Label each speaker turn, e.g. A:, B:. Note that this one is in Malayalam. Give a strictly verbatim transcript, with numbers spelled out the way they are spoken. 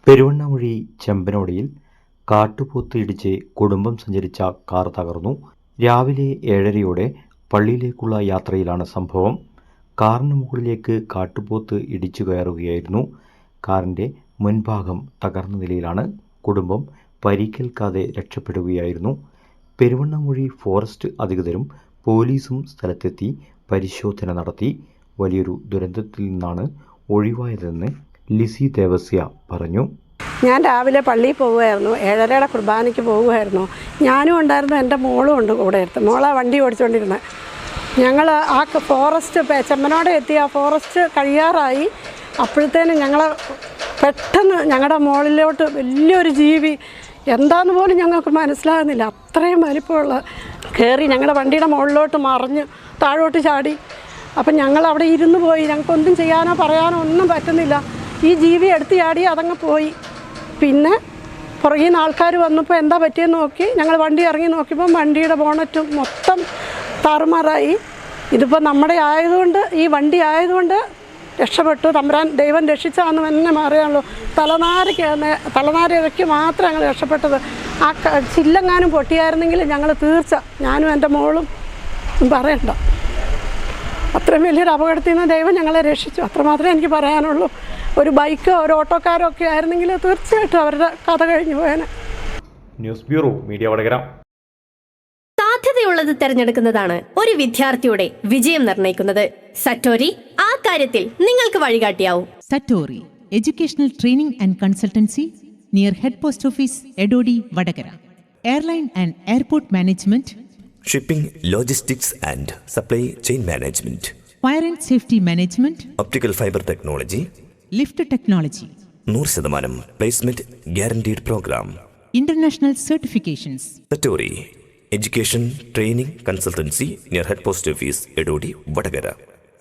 A: പെരുവണ്ണാമൊഴി ചെമ്പനോടിയിൽ കാട്ടുപോത്ത് ഇടിച്ച് കുടുംബം സഞ്ചരിച്ച കാർ തകർന്നു. രാവിലെ ഏഴരയോടെ പള്ളിയിലേക്കുള്ള യാത്രയിലാണ് സംഭവം. കാറിന് മുകളിലേക്ക് കാട്ടുപോത്ത് ഇടിച്ചു കയറുകയായിരുന്നു. കാറിൻ്റെ മുൻഭാഗം തകർന്ന നിലയിലാണ്. കുടുംബം പരിക്കേൽക്കാതെ രക്ഷപ്പെടുകയായിരുന്നു. പെരുവണ്ണാമൊഴി ഫോറസ്റ്റ് അധികൃതരും പോലീസും സ്ഥലത്തെത്തി പരിശോധന നടത്തി. വലിയൊരു ദുരന്തത്തിൽ നിന്നാണ് ഒഴിവായതെന്ന് ലിസി ദേവസ്യ പറഞ്ഞു.
B: ഞാൻ രാവിലെ പള്ളിയിൽ പോവുമായിരുന്നു. ഏഴരയുടെ കുർബാനയ്ക്ക് പോവുമായിരുന്നു. ഞാനും ഉണ്ടായിരുന്നു, എൻ്റെ മോളും ഉണ്ട് കൂടെ എടുത്ത്. മോളെ വണ്ടി ഓടിച്ചുകൊണ്ടിരുന്നത്. ഞങ്ങൾ ആ ഫോറസ്റ്റ് ചെമ്മനോടെ എത്തി. ആ ഫോറസ്റ്റ് കഴിയാറായി. അപ്പോഴത്തേനും ഞങ്ങൾ പെട്ടെന്ന് ഞങ്ങളുടെ മുകളിലോട്ട് വലിയൊരു ജീവി, എന്താണെന്ന് പോലും ഞങ്ങൾക്ക് മനസ്സിലാകുന്നില്ല, അത്രയും വലിപ്പമുള്ള കയറി ഞങ്ങളുടെ വണ്ടിയുടെ മുകളിലോട്ട് മറിഞ്ഞ് താഴോട്ട് ചാടി. അപ്പം ഞങ്ങൾ അവിടെ ഇരുന്ന് പോയി. ഞങ്ങൾക്കൊന്നും ചെയ്യാനോ പറയാനോ ഒന്നും പറ്റുന്നില്ല. ഈ ജീവി എടുത്ത് ചാടി അതങ്ങ് പോയി. പിന്നെ പുറകിൽ നിന്ന് ആൾക്കാർ വന്നപ്പോൾ എന്താ പറ്റിയെന്ന് നോക്കി ഞങ്ങൾ വണ്ടി ഇറങ്ങി നോക്കിയപ്പം വണ്ടിയുടെ ബോണറ്റും മൊത്തം താറുമാറായി. ഇതിപ്പോൾ നമ്മുടെ ആയതുകൊണ്ട്, ഈ വണ്ടി ആയതുകൊണ്ട് രക്ഷപ്പെട്ടു. തമ്പുരാൻ ദൈവം രക്ഷിച്ചാന്ന് തന്നെ അറിയാമല്ലോ. തലനാരയ്ക്ക് തലനാരയ്ക്ക് മാത്രം ഞങ്ങൾ രക്ഷപ്പെട്ടത്. ആ ചില്ലെങ്ങാനും പൊട്ടിയായിരുന്നെങ്കിൽ ഞങ്ങൾ തീർച്ച, ഞാനും എൻ്റെ മോളും പറയണ്ട, അത്രയും വലിയൊരു അപകടത്തിൽ നിന്ന് ദൈവം ഞങ്ങളെ രക്ഷിച്ചു. അത്രമാത്രമേ എനിക്ക് പറയാനുള്ളൂ. ഒരു ബൈക്കോ ഒരു ഓട്ടോക്കാരോ ഒക്കെ ആയിരുന്നെങ്കിൽ തീർച്ചയായിട്ടും അവരുടെ കഥ കഴിഞ്ഞു പോയേനെ.
A: News bureau, media Vadakara.
C: സാധ്യതയുള്ളത് തിരഞ്ഞെടുക്കുന്നതാണ് ഒരു വിദ്യാർത്ഥിയുടെ വിജയം നിർണ്ണയിക്കുന്നത്. സറ്റോരി ആ കാര്യത്തിൽ നിങ്ങൾക്ക് വഴികാട്ടിയാവും.
D: Satori educational training and consultancy near head post office Edodi Vadakara. Airline and airport management,
E: shipping, logistics and supply chain management,
D: fire and safety management,
E: optical fibre technology,
D: lift technology,
E: നൂറ് ശതമാനം placement guaranteed programme,
D: international certifications.
E: Satori education training consultancy near head post office Edodi Vadakara.